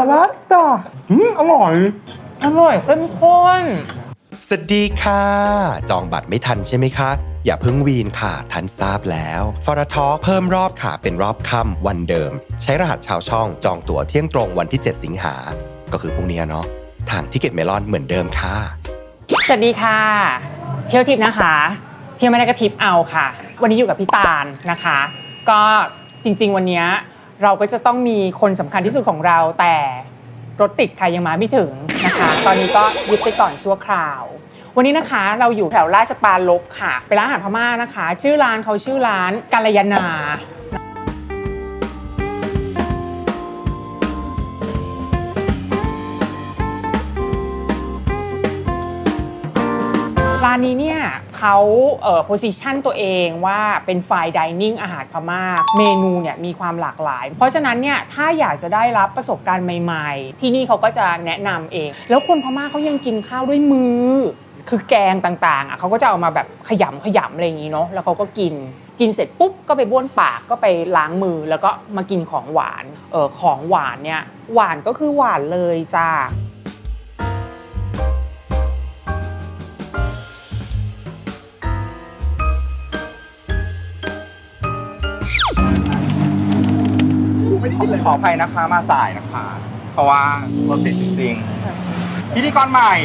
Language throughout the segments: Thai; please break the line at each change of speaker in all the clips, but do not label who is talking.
ลัตตาอร่อย
เข้มข้น
สวัสดีค่ะจองบัตรไม่ทันใช่ไหมคะอย่าเพิ่งวีนค่ะทันทราบแล้วฟอร์ทอเพิ่มรอบค่ะเป็นรอบค่ำวันเดิมใช้รหัสชาวช่องจองตั๋วเที่ยงตรงวันที่7สิงหาก็คือพรุ่งนี้เนาะทางทิเก็ตเมลอนเหมือนเดิมค่ะ
สวัสดีค่ะเที่ยวทิปนะคะเที่ยวไม่ได้ก็ทิปเอาค่ะวันนี้อยู่กับพี่ตาลนะคะก็จริงๆวันนี้เราก็จะต้องมีคนสำคัญที่สุดของเราแต่รถติดค่ะยังมาไม่ถึงนะคะตอนนี้ก็ยึดไปก่อนชั่วคราววันนี้นะคะเราอยู่แถวราชปรารภค่ะเป็นร้านอาหารพม่านะคะชื่อร้านเขาชื่อร้านกัลยาณาร้านนี้เนี่ยเขาposition ตัวเองว่าเป็น fine dining อาหารพม่าเมนูเนี่ยมีความหลากหลายเพราะฉะนั้นเนี่ยถ้าอยากจะได้รับประสบการณ์ใหม่ๆที่นี่เขาก็จะแนะนำเองแล้วคนพม่าเขายังกินข้าวด้วยมือคือแกงต่างๆเขาก็จะเอามาแบบขยำอะไรอย่างนี้เนาะแล้วเขาก็กินเสร็จปุ๊บก็ไปบ้วนปากก็ไปล้างมือแล้วก็มากินของหวานของหวานเนี่ยหวานก็คือหวานเลยจ้า
ขออภัยนะคะมาสายนะคะเพราะว่ารถติดจริงๆพิธีกรใหม่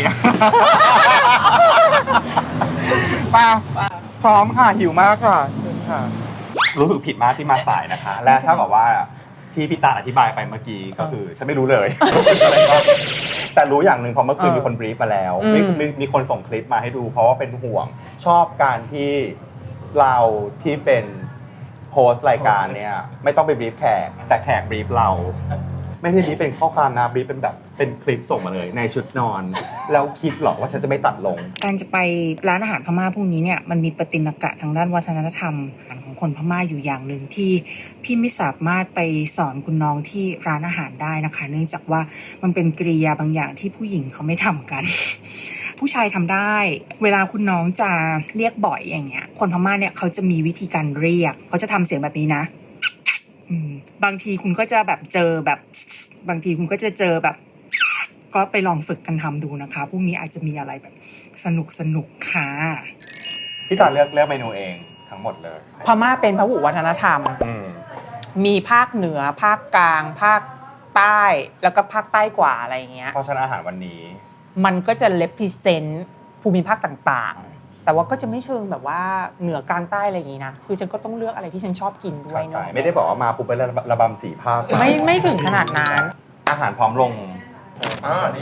มาพร้อมค่ะหิวมากค่ะเชิญค่ะรู้สึกผิดมากที่มาสายนะคะและถ้าบอกว่าที่พี่ตาอธิบายไปเมื่อกี้ก็คือฉันไม่รู้เลยแต่รู้อย่างหนึ่งพอเมื่อคืนมีคนบรีฟมาแล้วมีคนส่งคลิปมาให้ดูเพราะว่าเป็นห่วงชอบการที่เราที่เป็นโพสต์รายการเนี่ยไม่ต้องไปบรีฟแขกแต่แขกบรีฟเราไม่ได้บรีฟเป็นข้อความนะบรีฟเป็นแบบเป็นคลิปส่งมาเลยในชุดนอนแล้วคิดหรอกว่าฉันจะไม่ตัดลง
การจะไปร้านอาหารพม่าพวกนี้เนี่ยมันมีประติมากะทางด้านวัฒนธรรมของคนพม่าอยู่อย่างหนึ่งที่พี่ไม่สามารถไปสอนคุณน้องที่ร้านอาหารได้นะคะเนื่องจากว่ามันเป็นกริยาบางอย่างที่ผู้หญิงเขาไม่ทำกันผู้ชายทำได้เวลาคุณน้องจะเรียกบ่อยอย่างเงี้ยคนพม่าเนี่ยเขาจะมีวิธีการเรียกเขาจะทำเสียงแบบนี้นะบางทีคุณก็จะแบบเจอแบบบางทีคุณก็จะเจอแบบก็ไปลองฝึกกันทำดูนะคะพรุ่งนี้อาจจะมีอะไรแบบสนุกค่ะ
พี่ตาเลือกเมนูเองทั้งหมดเลย
พม่าเป็นพหุวัฒนธรรมมีภาคเหนือภาคกลางภาคใต้แล้วก็ภาคใต้กว่าอะไรอย่างเงี้ย
เพราะฉะนั้นอาหารวันนี้
มันก็จะrepresentภูมิภาคต่างๆแต่ว่าก็จะไม่เชิงแบบว่าเหนือกลางใต้อะไรอย่างงี้นะคือฉันก็ต้องเลือกอะไรที่ฉันชอบกินด้วยเนาะ
ไม่ได้บอกว่ามาปุ๊บไประบำ4ภาค
ไม่ถึงขนาดนั้น
อาหารพร้อมลงนี่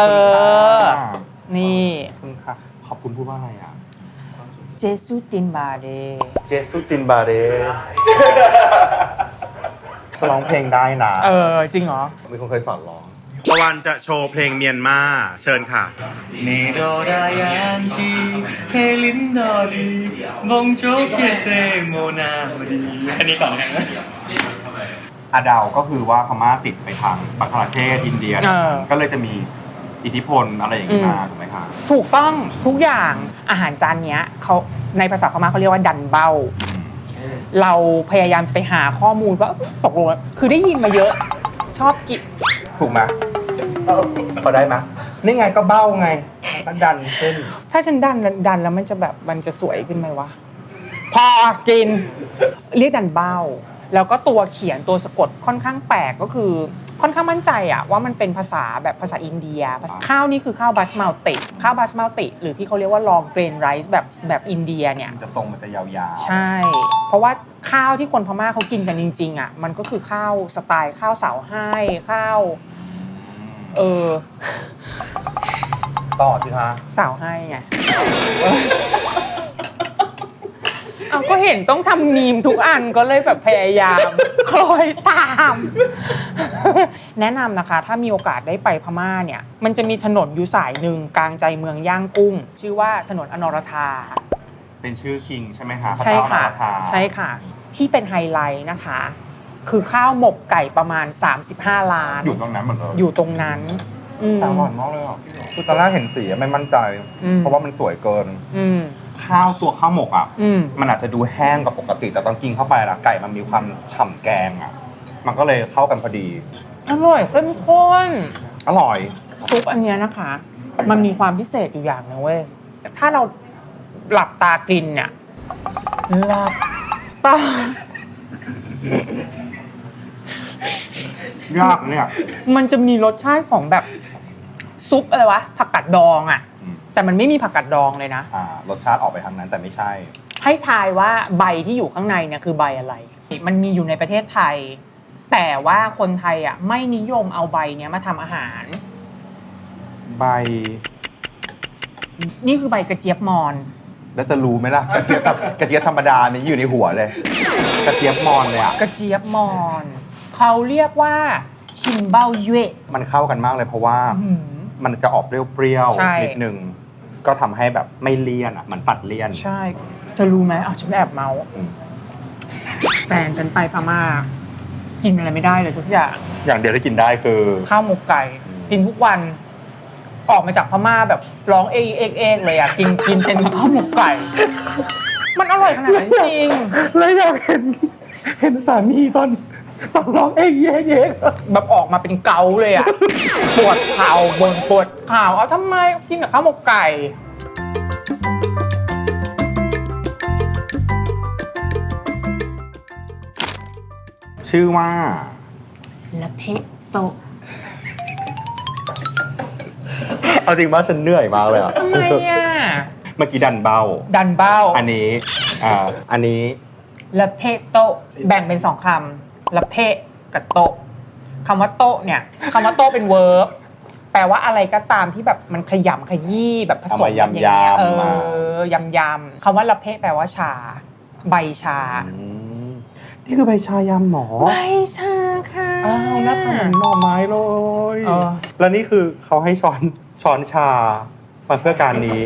นี่
คุณค่ะขอบคุณพูดว่าอะไรอ่ะ
เจสุตินบาเด
ร้องเพลงได้นะ
จริงเหรอ
มีคนเคยสอนร้อง
ตะวันจะโชว์เพลงเมียนมาเชิญค่ะ
นีโดดายันจีเทลินดอดีมงโจเกเตโมนามาดีอันนี้ก่อนนะ
อาดาวก็คือว่าพม่าติดไปทางบังคลาเทศอินเดียก็เลยจะมีอิทธิพลอะไรอย่างนี้มาถูกไหมคะ
ถูกต้องทุกอย่างอาหารจานนี้เขาในภาษาพม่าเขาเรียกว่าดันเบ้าเราพยายามจะไปหาข้อมูลว่าตกลงคือได้ยินมาเยอะชอบกิน
ถูกไหมพอได้ไหมนี่ไงก็เบ้าไงก็ดันขึ้น
ถ้าฉันดันแล้วมันจะแบบมันจะสวยขึ้นไหมวะพอกินเรียกดันเบ้าแล้วก็ตัวเขียนตัวสะกดค่อนข้างแปลกก็คือค่อนข้างมั่นใจอะว่ามันเป็นภาษาแบบภาษาอินเดียข้าวนี่คือข้าวบาสมาติข้าวบาสมาติหรือที่เขาเรียกว่าลองเกรนไรซ์แบบอินเดียเนี่ย
จะทรงมันจะยาว
ๆใช่เพราะว่าข้าวที่คนพม่าเขากินกันจริงๆอะมันก็คือข้าวสไตล์ข้าวเสาให้ข้าว
ต่อสิคะ
สาวให้ไงเอาก็เห็นต้องทำมีมทุกอันก็เลยแบบพยายามคอยตามแนะนำนะคะถ้ามีโอกาสได้ไปพม่าเนี่ยมันจะมีถนนอยู่สายหนึ่งกลางใจเมืองย่างกุ้งชื่อว่าถนนอนรธา
เป็นชื่อคิงใช่ไหมคะ
ใช่ค่ะใช่ค่ะที่เป็นไฮไลท์นะคะคือข้าวหมกไก่ประมาณ35ล้าน
อยู่ตรงนั้นหมดเลย
อยู่ตรงนั้น
แต่อร่อยมากเลยอ่ะคือตอนแรกเห็นสีไม่มั่นใจเพราะว่ามันสวยเกินข้าวตัวข้าวหมกอ่ะมันอาจจะดูแห้งกว่าปกติแต่ตอนกินเข้าไปละไก่มันมีความฉ่ำแกงอ่ะมันก็เลยเข้ากันพอดี
อร่อยเข้มข้น
อร่อย
ซุปอันเนี้ยนะคะ มันมีความพิเศษอยู่อย่างนึงเว้ยถ้าเราหลับตากินเนี่ยหลับตา
ยากเนี่ย
มันจะมีรสชาติของแบบซุปอะไรวะผักกาดดองอ่ะ แต่มันไม่มีผักกาดดองเลยนะ
รสชาติออกไปทางนั้นแต่ไม่ใช่
ให้ทายว่าใบที่อยู่ข้างในเนี่ยคือใบอะไร มันมีอยู่ในประเทศไทย แต่ว่าคนไทยอ่ะไม่นิยมเอาใบเนี้ยมาทำอาหาร
ใบ
นี่คือใบกระเจี๊ยบมอน
แล้วจะรู้ไหมล่ะ กระเจี๊ยบธรรมดานี่อยู่ในหัวเลย กระเจี๊ยบมอนเลยอ่ะ
กระเจี๊ยบมอนเขาเรียกว่าชิมเบ้าเย่
มันเข้ากันมากเลยเพราะว่า มันจะออกเปรี้ยว
ใช่
ๆนิดนึงก็ทำให้แบบไม่เลี่ยนอ่ะมันตัดเลี่ยน
ใช่เธอรู้ไหมฉันแอบเมาส์
อืม
แฟนฉันไปพม่ากินอะไรไม่ได้เลยสักอย่าง
อย่างเดียวที่กินได้คือ
ข้าวหมกไก่กินทุกวัน ออกมาจากพม่าแบบร้องเอกเอกเอกเลยอ่ะกินเป็นข้าวหมกไก่ มันอร่อยขนาดนั้นจริง
แล้วอยากเห็นสามีตอนร้องเอ๊ะ
แบบออกมาเป็นเกาเลยอ่ะ ปวดเข่าปวดเข่าเอาทำไมกินกับข้าวหมกไก่
ชื่อว่า
ละเพะโต
เอาจริงว่าฉันเหนื่อยมากเลยอ่ะ
ทำไมอ่ะ
เมื่อกี้ดันเบ้า
ดันเบ้า
อันนี้อันนี้
ละเพะโตแบ่งเป็น2 คำละเพะกับโตคำว่าโตเนี่ยคำว่าโตเป็นเวิร์บแปลว่าอะไรก็ตามที่แบบมันขยำขยี้แบบผสมกันอย่างเงี้ยยำคำว่าละเพะแปลว่าชา ใบชา
นี่คือใบชายำหมอ
ใบชาค่ะ
อ้าวหน้าตาเหมือนหน่อไม้เลย แล้วนี่คือเขาให้ช้อนชามาเพื่อการนี้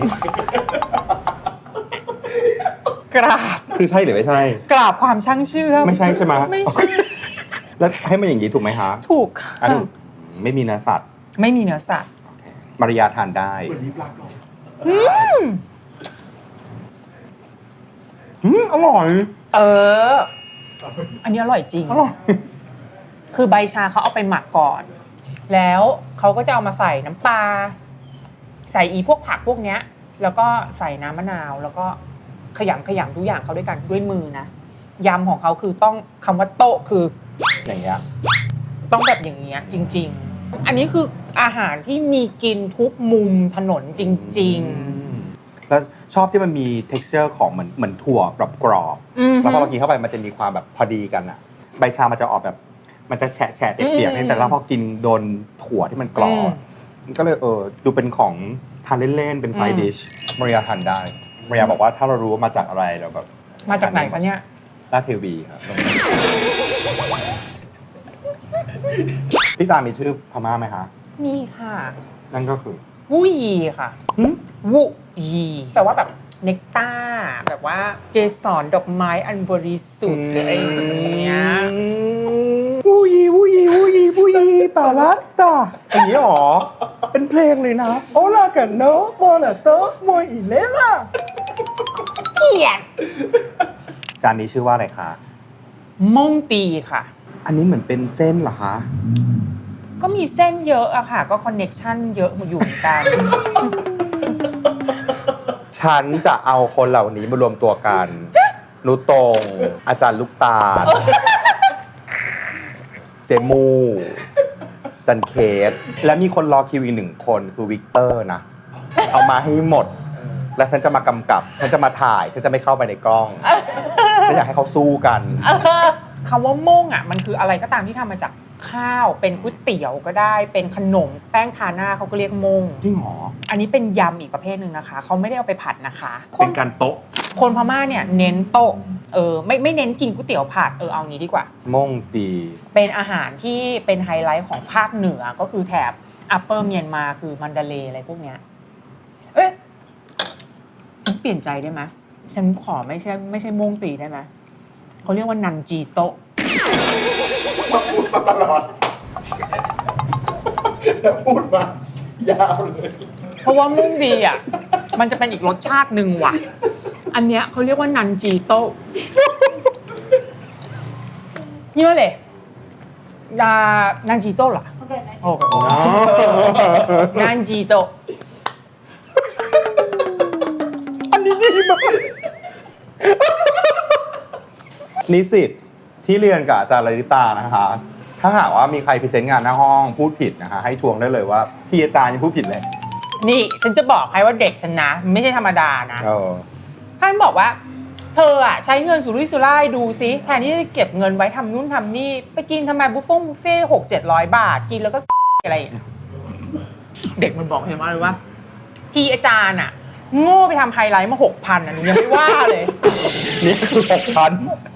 กราบ
คือใช่หรือไม่ใช่
กราบความช่างเชื่อม
ไม่ใช่ใช่ไหม
ไม่ใช่
แล้วให้มันอย่างนี้ถูกไหมฮะ
ถูกค่ะ
อันนี้ไม่มีเนื้อสัตว์
ไม่มีเนื้อสัตว์
มาริยาทานได้ อร่อย
อันนี้อร่อยจริง
อร่อย
คือใบชาเขาเอาไปหมักก่อน แล้วเขาก็จะเอามาใส่น้ำปลา ใส่พวกผักพวกเนี้ย แล้วก็ใส่น้ำมะนาว แล้วก็ขยำทุกอย่างเขาด้วยกันด้วยมือนะ ยำของเขาคือต้องคำว่าโต๊ะคือ
อย่างเงี้ย
ต้องแบบอย่างเงี้ยจริง ๆ อันนี้คืออาหารที่มีกินทุกมุมถนนจริง
แล้วชอบที่มันมี texture ของเหมือนถั่วกรอบ
ๆ
แล้วพอเรากินเข้าไปมันจะมีความแบบพอดีกันอะใบชามันจะออกแบบ มันจะแฉะเปียกๆแต่แล้วพอกินโดนถั่วที่มันกรอบมันก็เลยดูเป็นของทานเล่นๆเป็นไซด์ดิชมาริยาทานได้มาริยาบอกว่าถ้าเรารู้ว่ามาจากอะไรเราแบบ
มาจากไหนคะเนี่ย
ลาดเทวีครับพี่ตามีชื่อพม่าไหมคะ
มีค่ะ
นั่นก็คือ
วูยีค่ะวูยีแปลว่าแบบเนกต้าแบบว่าเกสรดอกไม้อันบริสุทธิ์หรืออะไรอย่างเงี้ย
วูยีปาลัตตาอย่างนี้หรอ เป็นเพลงเลยนะโอลากันโนโมนาโตโมอิเลล่า
เกลียด
จานนี้ชื่อว่าอะไรคะ
ม่งตีค่ะ
อันนี้เหมือนเป็นเส้นเหรอคะ
ก็มีเส้นเยอะอะค่ะ ก็คอนเน็กชันเยอะอยู่เหมือนกัน
ฉันจะเอาคนเหล่านี้มารวมตัวกัน นุตง อาจารย์ลูกตาล เจมู จันเคส และมีคนรอคิวอีก1 คนคือวิกเตอร์นะ เอามาให้หมด แล้วฉันจะมากำกับ ฉันจะมาถ่าย ฉันจะไม่เข้าไปในกล้อง ฉันอยากให้เขาสู้กัน
คำว่าม่งอะมันคืออะไรก็ตามที่ทำมาจากข้าว เป็นก๋วยเตี๋ยวก็ได้ เป็นขนมแป้งทาหน้าเขาก็เรียกม่ง
จริงหรอ
อันนี้เป็นยำอีกประเภทหนึ่งนะคะ เขาไม่ได้เอาไปผัดนะคะ
เป็นการโต๊ะ
คนพม่าเนี่ยเน้นโต๊ะไม่เน้นกินก๋วยเตี๋ยวผัดเอางี้ดีกว่า
ม่งตี
เป็นอาหารที่เป็นไฮไลท์ของภาคเหนือก็คือแถบอัปเปอร์เมียนมาคือมันดาเลย์อะไรพวกเนี้ยฉันเปลี่ยนใจได้ไหมฉันขอไม่ใช่ม่งตีได้ไหมเขาเรียกว่านันจีโต๊ะ
พูดมาตลอดแล้วพูดมายาวเลย
เพราะว่าม่งดีอ่ะมันจะเป็นอีกรสชาติหนึ่งว่ะอันเนี้ยเขาเรียกว่านันจีโต๊ะนี่มาเลยนันจิโต้เหรอโอเคนันจิโต้
อันนี้ดีมากนิสิตที่เรียนกับอาจารย์ลลิตานะคะ ถ้าหากว่ามีใครพรีเซนต์งานหน้าห้องพูดผิดนะคะ ให้ทวงได้เลยว่าที่อาจารย์ยังพูดผิดเลย
นี่ฉันจะบอกให้ว่าเด็กฉันนะไม่ใช่ธรรมดานะท่านบอกว่าเธออะใช้เงินสุรุ่ยสุร่ายดูซิแทนที่จะเก็บเงินไว้ทำนู่นทำนี่ไปกินทำไมบุฟเฟ่600-700 บาทกินแล้วก็อะไรอย่างเงี้ยเด็กมันบอกเห็นไหมเลยว่าที่อาจารย์อะโง่ไปทำไฮไลท์มา 6,000อ่ะหนูยังไม่ว่าเลย
นี่คือ6,000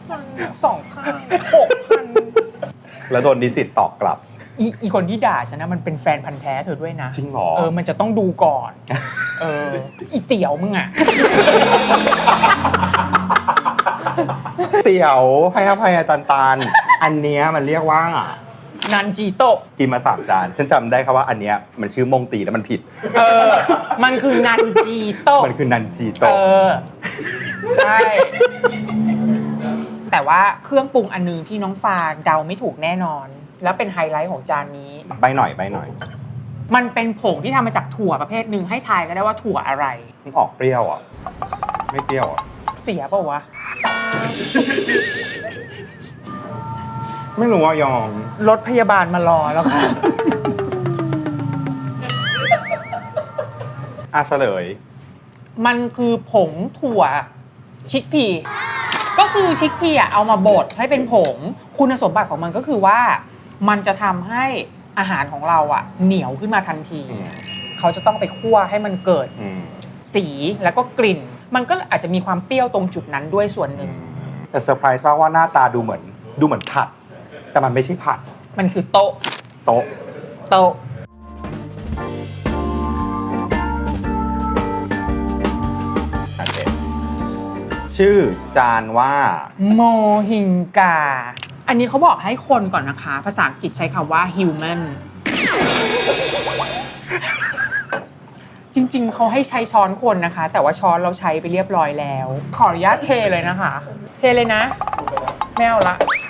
2,000
แล้วโดนนิสิตตอบกลับ
อีคนที่ด่าฉันนะมันเป็นแฟนพันธ์แท้เธอด้วยนะ
จริงเหรอ
มันจะต้องดูก่อนอีเตี๋ยวมึงอ่ะ
เตี๋ยวให้อภัยอาจารย์ตาลอันเนี้ยมันเรียกว่า
นันจิโต้
กินมา3 จานฉันจำได้ครับว่าอันเนี้ยมันชื่อมงตีแล้วมันผิด
มันคือนันจิโต้
มันคือนันจีโตะ
ใช่ แต่ว่าเครื่องปรุงอันนึงที่น้องฟาเดาไม่ถูกแน่นอน แล้วเป็นไฮไลท์ของจานนี้
ใบหน่อย
มันเป็นผงที่ทำมาจากถั่วประเภทหนึ่งให้ทายก็ได้ว่าถั่วอะไร
มันออกเปรี้ยวอ่ะไม่เปรี้ยวอ่ะ
เสียเปล่าวะ
ไม่รู้ว่ายอม
รถพยาบาลมารอแล้วค่ะ
เฉลย
มันคือผงถั่วชิคพีก็คือชิคพีอ่ะเอามาบดให้เป็นผงคุณสมบัติของมันก็คือว่ามันจะทำให้อาหารของเราอ่ะเหนียวขึ้นมาทันที เขาจะต้องไปคั่วให้มันเกิดสีแล้วก็กลิ่น มันก็อาจจะมีความเปรี้ยวตรงจุดนั้นด้วยส่วนหนึ่ง
แต่เซอร์ไพรส์ว่าหน้าตาดูเหมือนผัด แต่มันไม่ใช่ผัด
มันคือโต๊ะ
โต๊ะ
โต๊ะ
ชื่อจานว่า
โมฮิงกา อันนี้เขาบอกให้คนก่อนนะคะ ภาษาอังกฤษใช้คำว่า human จริงๆ เขาให้ใช้ช้อนคนนะคะ แต่ว่าช้อนเราใช้ไปเรียบร้อยแล้ว ขออนุญาตเทเลยนะคะ เทเลยนะไม่เอาละ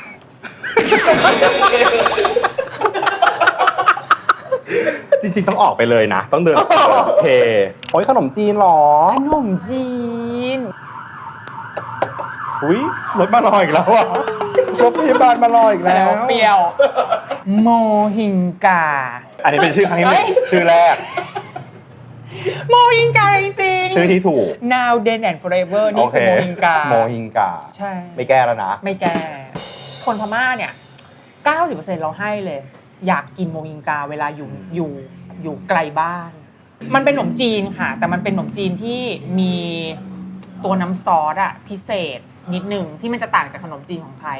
จริงๆต้องออกไปเลยนะ ต้องเดินเทโอ้ยขนมจีนเหรอ
ขนมจีน
อุ้ยรถมารออีกแล้วอ่ะรถพยาบาลมารออีก
แสด
แล้
ง
ว
ว่าเปรี้ยว โมฮิงกา
อันนี้เป็นชื่อครั้งที่หนึ่งชื่อแรก
โมฮิงกาจริงๆ
ชื่อที่ถูก
Now Then and Forever นี่คือโมฮิงกา
โมฮิงกา
ใช่
ไม่แก้แล้วนะ
ไม่แก้ คนพม่าเนี่ย 90% เราให้เลย อยากกินโมฮิงกาเวลาอยู่ไกลบ้าน มันเป็นขนมจีนค่ะ แต่มันเป็นขนมจีนที่มีตัวน้ำซอสอะพิเศษนิดหนึ่งที่มันจะต่างจากขนมจีนของไทย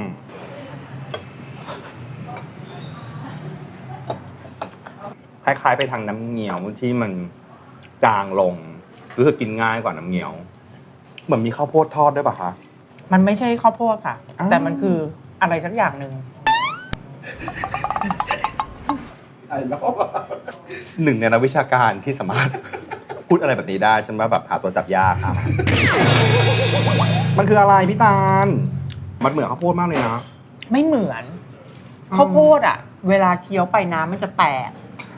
คล้ายๆไปทางน้ำเงี้ยวที่มันจางลงรู้สึกกินง่ายกว่าน้ำเงี้ยว เหมือนมีข้าวโพดทอดด้วยป่ะคะ
มันไม่ใช่ข้าวโพดค่ะ
อ้าว
แต่มันคืออะไรสักอย่างหนึ่ง
หนึ่งในนักวิชาการที่สามารถ พูดอะไรแบบนี้ได้ฉันว่าแบบหาตัวจับยากครับ มันคืออะไรพี่ตาล มันเหมือนข้าวโพดมากเลยนะ
ไม่เหมือนข้าวโพดอะเวลาเคี้ยวไปน้ำมันจะแตก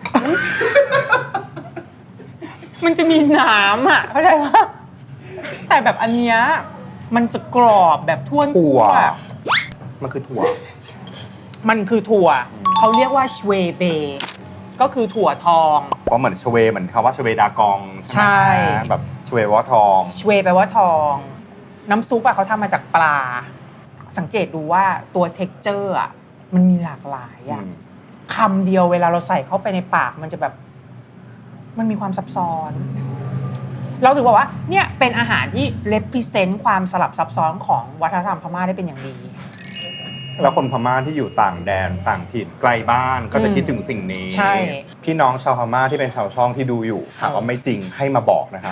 มันจะมีน้ำอะเข้าใจปะแต่แบบอันเนี้ยมันจะกรอบแบบท่วน
ถั่ว
ทั่ว
มันคือถั่ว
มันคือถั่วเขาเรียกว่าชเวเบก็คือถั่วทอง
เพราะเหมือนชเวเหมือนคำว่าชเวดากองใช่ไหม
ใช่
แบบชเวว่าทอง
ชเวแปลว่าทอง น้ำซุปอะเขาทำมาจากปลา สังเกตดูว่าตัวเท็กเจอร์อะมันมีหลากหลายอะคำเดียวเวลาเราใส่เข้าไปในปากมันจะแบบมันมีความซับซ้อน เราถือว่าเนี่ยเป็นอาหารที่ represent ความสลับซับซ้อนของวัฒนธรรมพม่าได้เป็นอย่างดี
แล้วคนพม่าที่อยู่ต่างแดนต่างถิ่นไกลบ้านก็จะคิดถึงสิ่งนี้
ใช่
พี่น้องชาวพม่าที่เป็นชาวช่องที่ดูอยู่หากว่าไม่จริงให้มาบอกนะคะ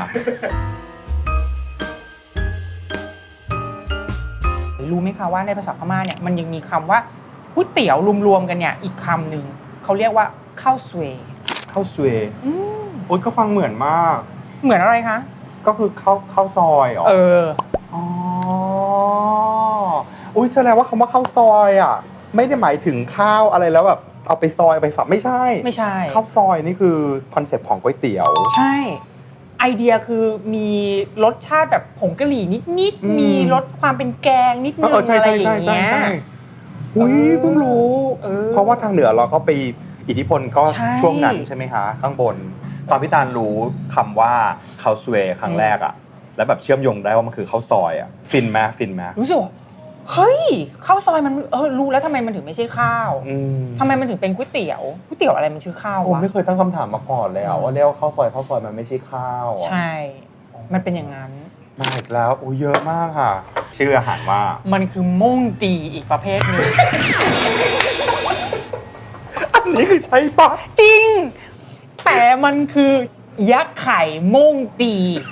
รู้ไหมคะว่าในภาษาพม่าเนี่ยมันยังมีคำว่าก๋วยเตี๋ยวรวมๆกันเนี่ยอีกคำหนึ่งเขาเรียกว่าข้าวสวย
ข้าวสวยโอ๊ยก็ฟังเหมือนมาก
เหมือนอะไรคะ
ก็คือข้าวซอยเหรอ
อ๋อ
อุ้ยแสดงว่าคำว่าข้าวซอยอ่ะไม่ได้หมายถึงข้าวอะไรแล้วแบบเอาไปซอยไปสับไม่ใช่
ไม่ใช่
ข้าวซอยนี่คือคอนเซปต์ของก๋วยเตี๋ยว
ใช่ไอเดียคือมีรสชาติแบบผงกะหรี่นิดๆมีรสความเป็นแกงนิดนึงอะไรอย่างเงี้ย
อุ้ยเพิ่งรู้ เพราะว่าทางเหนือเราก็ไปอิทธิพลก็
ใช่
ช่วงนั้นใช่ไหมคะข้างบน ตอนพี่ตาลรู้คำว่าข้าวสวยครั้งแรกอะแล้วแบบเชื่อมโยงได้ว่ามันคือข้าวซอยอะฟินไหม
รู้สึกว่าเฮ้ยข้าวซอยมันรู้แล้วทำไมมันถึงไม่ใช่ข้าวทำไมมันถึงเป็นก๋วยเตี๋ยวอะไรมันชื่อข้าว
ผม
วะ
ไม่เคยตั้งคำถามมาก่อนเลยอะว่าเรียกว่าข้าวซอยมันไม่ใช่ข้าวอะ
ใช่ มันเป็นอย่างนั้น
มาอีกแล้วอุ้ยเยอะมากค่ะ ชื่ออาหารว่า
มันคือม่งตีอีกประเภทหนึ่ง
อันนี้คือใช่ปะ
จริง แต่มันคือยักษ์ไข่ม่งตี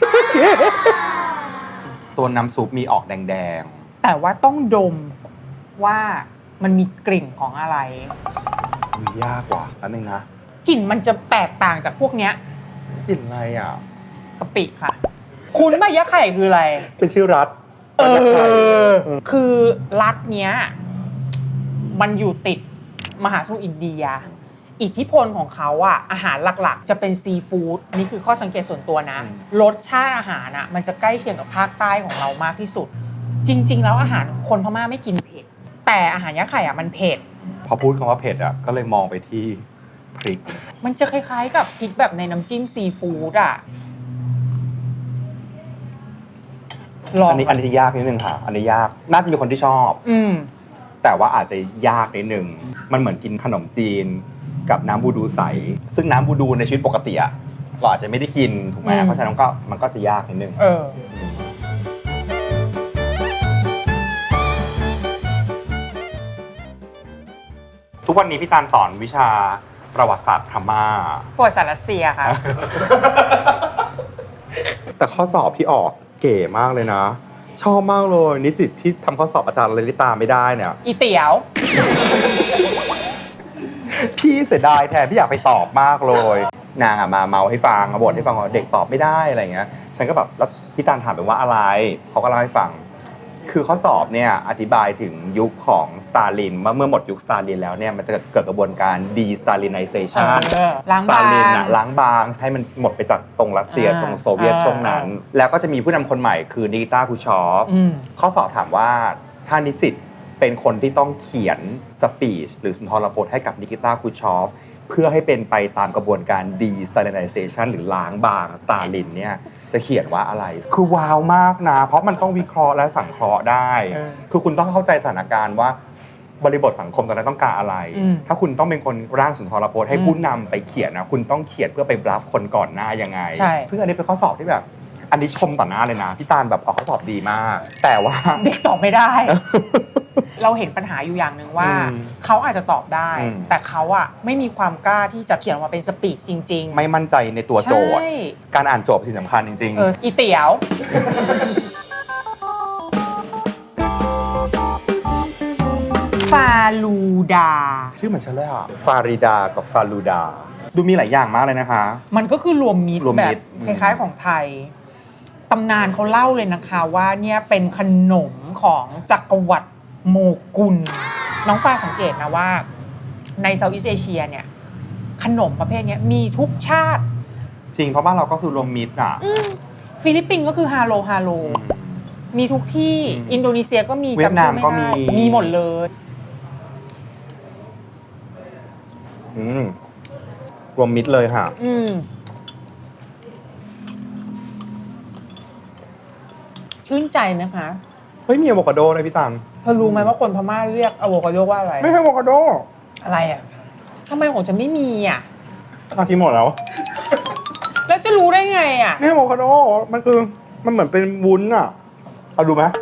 ตัวน้ำซุปมีออกแดง
แต่ว่าต้องดมว่ามันมีกลิ่นของอะไร
ๆมียากกว่าแล้วนึงนะ
กลิ่นมันจะแตกต่างจากพวกเนี้ย
กลิ่นอะไรอ่ะ
กะปิค่ะ คุณป่ะยักษ์ไข่คืออะไร
เป็นชื่อรัฐ
คือรัฐเนี้ยมันอยู่ติดมหาสมุทรอินเดีย อิทธิพลของเขาอะอาหารหลักๆ จะเป็นซีฟู้ดนี่คือข้อสังเกตส่วนตัวนะรสชาติอาหารอะมันจะใกล้เคียงกับภาคใต้ของเรามากที่สุด จริง ๆ แล้วอาหารคนพม่าไม่กินเผ็ดแต่อาหารยักษ์ไข่อะมันเผ็ด
พอพูดคำว่าเผ็ดอ่ะก็เลยมองไปที่พริก
มันจะคล้ายๆกับพริกแบบในน้ำจิ้มซีฟู้ดอะลอง
อันนี้ยากนิดนึงค่ะ อันนี้ยากน่าจะมีคนที่ชอบ แต่ว่าอาจจะยากนิดนึงมันเหมือนกินขนมจีนกับน้ำบูดูใสซึ่งน้ำบูดูในชีวิตปกติอะเราอาจจะไม่ได้กินถูกไหมเพราะฉะนั้นมันก็จะยากนิดนึงทุกวันนี้พี่ตาลสอนวิชาประวัติศาสตร์พม่า
ประวัติศาสตร์รัสเซียค่ะ
แต่ข้อสอบที่ออกเก๋มากเลยนะ ชอบมากเลยนิสิตที่ทำข้อสอบอาจารย์ลลิตาไม่ได้เนี่ย
อีเตี๋ยว
พี่เสียดายแทนพี่อยากไปตอบมากเลย นางอะมาเมาให้ฟังมาบ่นให้ฟังว่าเด็กตอบไม่ได้อะไรเงี้ยฉันก็แบบแล้วพี่ตาลถามไปว่าอะไรเขาก็เล่าให้ฟัง คือข้อสอบเนี่ยอธิบายถึงยุคของสตาลินเมื่อหมดยุคสตาลินแล้วเนี่ยมันจะเกิดกระบวนการ de-Stalinization
ล้าง
ส
บา
ตาลิน
ง
ล้างบางให้มันหมดไปจากตรงรัสเซียตรงโซเวียตช่วงนั้น แล้วก็จะมีผู้นำคนใหม่คือนิกิตาคูชอฟข้อสอบถามว่าถ้านิสิตเป็นคนที่ต้องเขียนสปีชหรือสุนทรพจน์ให้กับนิกิตาคูชอฟเพื่อให้เป็นไปตามกระบวนการ de-Stalinization หรือล้างบางสตาลินเนี่ยจะเขียนว่าอะไรคือว้าวมากนะเพราะมันต้องวิเคราะห์และสังเคราะห์ได้คือคุณต้องเข้าใจสถานการณ์ว่าบริบทสังคมตอนนั้นต้องการอะไร ถ้าคุณต้องเป็นคนร่างสุนทรพจน์ให้ผู้นำไปเขียนนะคุณต้องเขียนเพื่อไปบลัฟคนก่อนหน้ายังไงซึ่งอันนี้เป็นข้อสอบที่แบบอันนี้ชมต่อหน้าเลยนะพี่ตาลแบบออกข้อสอบดีมากแต่ว่า
เด็กตอบไม่ได้ เราเห็นปัญหาอยู่อย่างหนึ่งว่าเขาอาจจะตอบได้ แต่เขาอะไม่มีความกล้าที่จะเขียนออกมาเป็นสปีชจริงๆ
ไม่มั่นใจในตัวโจทย์การอ่านโจทย์เป็นสิ่งสำคัญจริงๆ
อีเตี๋ยว ฟาลูดา
ชื่อเหมือนฉันเลยอ่ะฟาริดากับฟาลูดาดูมีหลายอย่างมากเลยนะคะ
มันก็คือรวมมิตรแบบคล้ายๆของไทยตำนานเขาเล่าเลยนะคะว่าเนี่ยเป็นขนมของจักรวรรดิโมกุลน้องฟ้าสังเกตนะว่าในเซาท์อีสต์เอเชียเนี่ยขนมประเภทนี้มีทุกชาติ
จริงเพราะบ้านเราก็คือรวมมิตรอ่ะ
ฟิลิปปินส์ก็คือฮาโลมีทุกที่อินโดนีเซียก็มี
จำชื่อไม่ได้
มีหมดเลย
รวมมิตรเลยค่ะ
ชื่นใจไหมคะ
เฮ้ยมีอะโวคาโดเลยพี่ตัง
เธอรู้ไหมว่าคนพม่าเรียกอะโวคาโดว่าอะไร
ไม่ใช่อะโวคาโด
อะไรอ่ะทำไมของฉันไม่มีอ่ะ
กินหมดแล้ว
แล้วจะรู้ได้ไงอ่ะ
ไม่ใช่อะโวคาโดมันเหมือนเป็นวุ้นอ่ะเอาดูไหม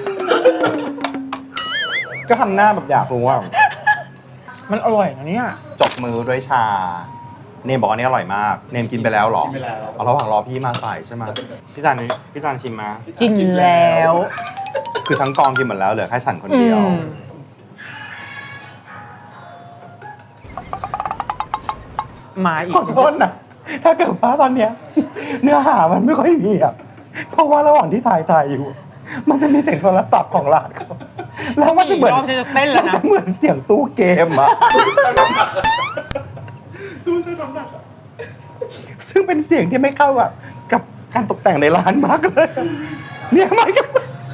ก็ทำหน้าแบบอยากรู้ว่า
มันอร่อยนะเนี่ย
จบมือด้วยชาเนมบอกอันนี้อร่อยมากเนมกินไปแล้วหรอกินไปแล้วระหว่างรอพี่มาใส่ใช่ไหมพี่ตาลชิมมา
กินแล้ว
คือทั้งกองกินหมดแล้วเหลือแค่ฉันคนเดียว
มาอีก
ขอโทษนะถ้าเกิดว่าตอนเนี้ยเนื้อหามันไม่ค่อยมีอ่ะเพราะว่าระหว่างที่ถ่ายอยู่มันจะมีเสียงโทรศัพท์ของร้านเขาแล้วมันจะเหมือน
รอบจะเต้นแล้ว
มัน
นะ
จะเหมือนเสียงตู้เกมอะซึ่งเป็นเสียงที่ไม่เข้ากับการตกแต่งในร้านมากเลยเนี่ยมันก็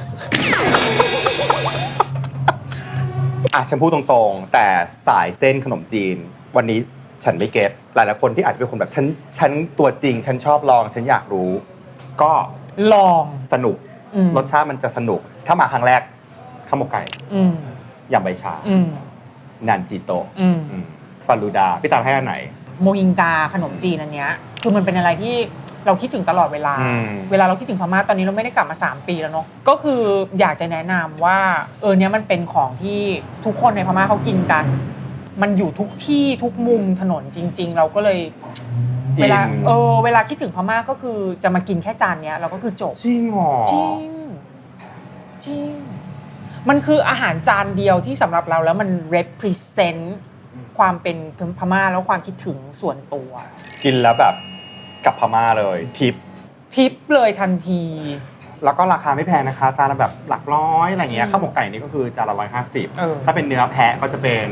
ฉันพูดตรงๆแต่สายเส้นขนมจีนวันนี้ฉันไม่เก็ตหลายๆคนที่อาจจะเป็นคนแบบฉันตัวจริงฉันชอบลองฉันอยากรู้ ก็
ลอง
สนุกรสชาติมันจะสนุกถ้ามาครั้งแรกข้าวหมกไก่ยำใบชานันจิโตะฟาลูดาพี่ตามให้อันไหน
โมฮิงกาขนมจีนอันเนี้ยคือมันเป็นอะไรที่เราคิดถึงตลอดเวลาเราคิดถึงพม่าตอนนี้เราไม่ได้กลับมา3ปีแล้วเนาะก็คืออยากจะแนะนำว่าเนี้ยมันเป็นของที่ทุกคนในพม่าเขากินกันมันอยู่ทุกที่ทุกมุมถนนจริงๆเราก็เลยเวลาคิดถึงพม่าก็คือจะมากินแค่จานเนี้ยเราก็คือจบ
จริงหรอ
จริงมันคืออาหารจานเดียวที่สำหรับเราแล้วมัน represent ความเป็นพม่าแล้วความคิดถึงส่วนตัว
กินแล้วแบบกับพม่าเลยทิป
เลยทันที
แล้วก็ราคาไม่แพงนะคะจานละแบบหลักร้อยอะไรเงี้ยข้าวหมกไก่นี่ก็คือจานละ150ถ้าเป็นเนื้อแพะก็จะเป็น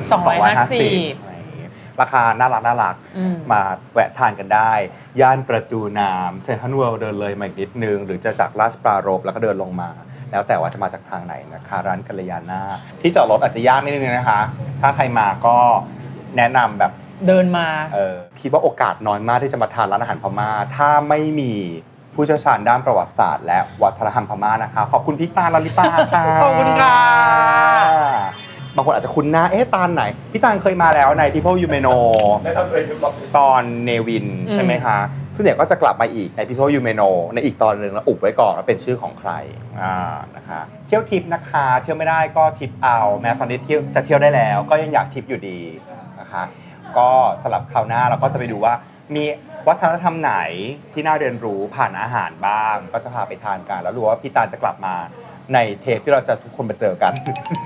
250ราคาน่ารักมาแวะทานกันได้ย่านประตูน้ำเซ็นทรัลเวิลด์เดินเลยมาอีกนิดนึงหรือจะจากราชปรารภแล้วก็เดินลงมาแล้วแต่ว่าจะมาจากทางไหนนะคะร้านกัลยาณาที่จอดรถอาจจะยากนิดนึงนะคะถ้าใครมาก็แนะนำแบบ
เดินมา
คิดว่าโอกาสน้อยมากที่จะมาทานร้านอาหารพม่าถ้าไม่มีผู้เชี่ยวชาญด้านประวัติศาสตร์และวัฒนธรรมพม่านะคะขอบคุณพี่ตาลลิตาค่ะ
ขอบคุณค่ะ
บางคนอาจจะคุ้นหน้าตาลไหนพี่ตาลเคยมาแล้วใน People You May Know ตอนเนวินใช่ไหมคะซึ่งเดี๋ยวก็จะกลับมาอีกใน People You May Know ในอีกตอนนึงแล้วอุบไว้ก่อนว่าเป็นชื่อของใครนะคะเที่ยวทิปนะคะเที่ยวไม่ได้ก็ทิปเอาแม้ตอนนี้จะเที่ยวได้แล้วก็ยังอยากทิปอยู่ดีนะคะก็สำหรับคราวหน้าเราก็จะไปดูว่ามีวัฒนธรรมไหนที่น่าเรียนรู้ผ่านอาหารบ้างก็จะพาไปทานกันแล้วรู้ว่าพี่ตาลจะกลับมาในเทปที่เราจะทุกคนมาเจอกัน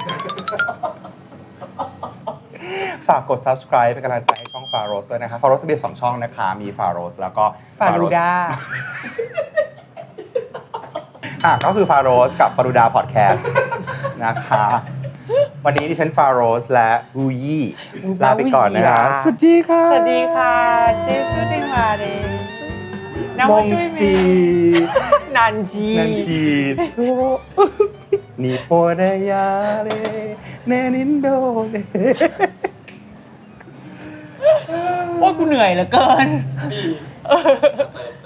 ฝากกด subscribe เป็นกำลังใจให้ช่อง Faros ด้วยนะคะ Faros มี2ช่องนะคะมี Faros แล้วก็
Faruda
ก็คือ Faros กับ Faruda Podcast นะคะวันนี้ดิฉัน Faros และบูยี่ลาไปก่อนนะคะสวัสดีค่ะ
สวัสดีค่ะเจสุดิมาเร
มงตี
นันจี
โตนิโปเดยาเรเนนินโดเน
โอ้กูเหนื่อยเหลือเกิน